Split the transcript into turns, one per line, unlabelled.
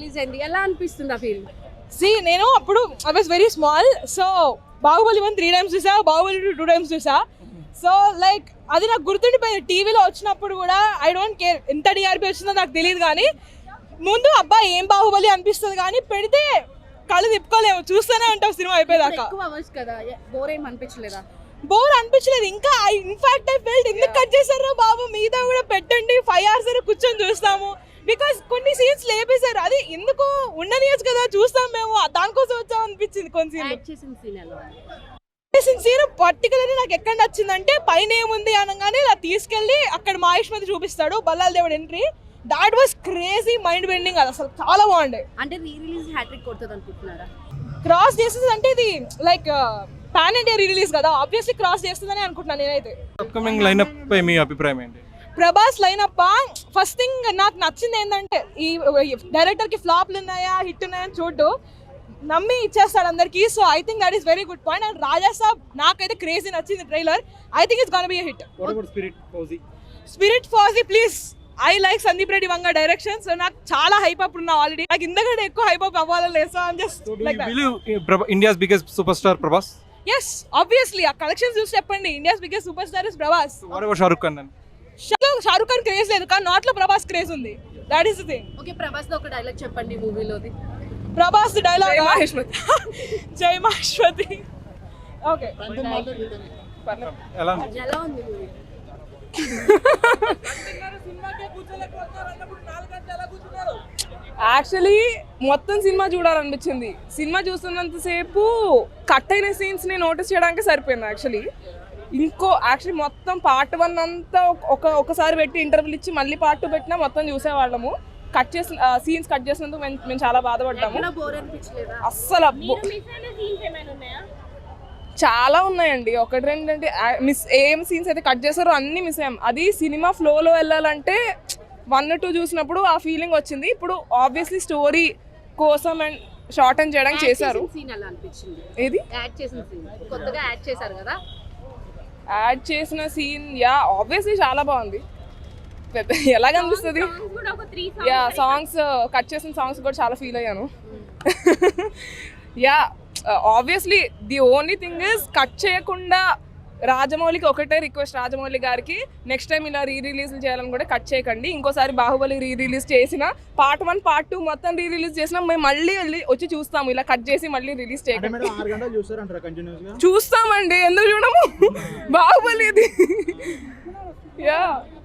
Release అయింది, ఎలా అనిపిస్తుంది ఆ ఫీల్?
నేను అప్పుడు I was very small. So Baahubali 1 3 times చూసా, బాహుబలి 2 2 times చూసా. సో లైక్ అది నాకు గుర్తుండిపోయింది. టీవీలో వచ్చినప్పుడు కూడా ఐ డోంట్ కేర్ ఎంత టీఆర్పీ వచ్చిందో నాకు తెలియదు, కానీ ముందు అబ్బా ఏం బాహుబలి అనిపిస్తుంది, కానీ పెడితే కళ్ళు తిప్పుకోలేము, చూస్తూనే ఉంటాం సినిమా అయిపోయేదాకా.
ఎక్కువ అవర్స్ కదా, బోర్ ఏం అనిపించలేదా?
బోర్ అనిపించలేదు. ఇంకా ఇన్ఫాక్ట్ ఐ ఫెల్ట్ ఎందుకు కట్ చేశారో బాబు, మిగతా కూడా పెట్టండి 5 hours కూర్చొని చూస్తాము. బికాస్ కొన్ని సీన్స్ లేపేశారు, అది ఎందుకు ఉండనియచ్చు కదా, చూస్తాం మేము, దానికోసం వచ్చాం అనిపించింది. కొన్ని సీన్ పర్టికులర్లీ నాకు ఎక్కడ నచ్చిందంటే, పైన ఏముంది అనగానే ఇలా తీసుకెళ్ళి అక్కడ మహేష్మతి చూపిస్తాడు, బల్లాల దేవుడు entry. That was crazy, mind bending. అది అసలు చాలా బాగుండే.
అంటే రీ రిలీజ్ హ్యాట్రిక్ కొడుతుంది అనుకుంటున్నారా?
క్రాస్ చేస్తుంది అంటే ఇది లైక్ పాన్ ఇండియా రిలీజ్ కదా, ఆబ్వియస్లీ క్రాస్ చేస్తుందని అనుకుంటున్నాను నేనైతే.
అప్కమింగ్ లైనప్ పై మీ అభిప్రాయం ఏంటి?
ప్రభాస్ లైనప్ ఫస్ట్ థింగ్ నాకు నచ్చింది ఏంటంటే, ఈ డైరెక్టర్ కి ఫ్లాప్లు ఉన్నాయా హిట్ ఉన్నాయా అని చూడు, నమ్మి ఇచ్చేస్తాడు అందరికి. So I think that is very good point. And Raja Saab నాకైతే క్రేజీ నచ్చింది trailer. I think it's gonna be a hit. Spirit Fauji please. I like Sandeep Reddy Vanga direction. So నాకు చాలా హైప్ అప్ ఉన్నా ఆల్రెడీ, నాకు ఇంతకంటే ఎక్కువ హైప్ అప్ అవ్వాలని లేదు. So I'm just like that.
India's biggest super star Prabhas?
yes obviously ఆ కలెక్షన్స్ చూసి చెప్పండి, India's biggest super star is Prabhas.
What about Shahrukh Khan?
Shahrukh Khan craze లేదు, కానీ నాట్ లో ప్రభాస్ క్రేజ్ ఉంది. That is the thing.
Okay, Prabhas లో ఒక డైలాగ్ చెప్పండి మూవీలోది.
ప్రభాస్ డైలాగ్ జై మహేశ్వతి. ఓకే,
ఎలా
ఉంది మూవీ?
యాక్చువల్లీ మొత్తం సినిమా చూడాలనిపించింది. సినిమా చూస్తున్నంతసేపు కట్ అయిన సీన్స్ని నోటీస్ చేయడానికి సరిపోయింది. యాక్చువల్లీ మొత్తం పార్ట్ 1 అంతా ఒకసారి పెట్టి ఇంటర్వ్యూలు ఇచ్చి మళ్ళీ పార్ట్ 2 పెట్టినా మొత్తం చూసేవాళ్ళము. కట్ చేసిన సీన్స్ కట్ చేసినందుకు మేము చాలా బాధపడ్డాము. అస్సలు చాలా ఉన్నాయండి, 1 2 అంటే మిస్ ఏం సీన్స్ అయితే కట్ చేశారో అన్నీ మిస్ అయ్యాం. అది సినిమా ఫ్లోలో వెళ్ళాలంటే 1 2 చూసినప్పుడు ఆ ఫీలింగ్ వచ్చింది. ఇప్పుడు ఆబ్వియస్లీ స్టోరీ కోసం అండ్ షార్ట్ అండ్ చేయడానికి చేశారు. ఏది యాడ్ చేసిన సీన్? యా ఆబ్వియస్లీ చాలా బాగుంది. ఎలా కనిపిస్తుంది? యా సాంగ్స్ కట్ చేసిన సాంగ్స్ కూడా చాలా ఫీల్ అయ్యాను. Yeah obviously the only thing is cut చేయకుండా రాజమౌళికి ఒకటే రిక్వెస్ట్, రాజమౌళి గారికి నెక్స్ట్ టైం ఇలా రిలీజ్ చేయాలని కూడా కట్ చేయకండి. ఇంకోసారి బాహుబలి రిలీజ్ చేసిన పార్ట్ 1 పార్ట్ 2 మొత్తం రిలీజ్ చేసినా మేము మళ్ళీ వచ్చి చూస్తాము. ఇలా కట్ చేసి మళ్ళీ రిలీజ్ చేయకండి. చూస్తామండి, ఎందుకు చూడము? బాహుబలి ఇది. యా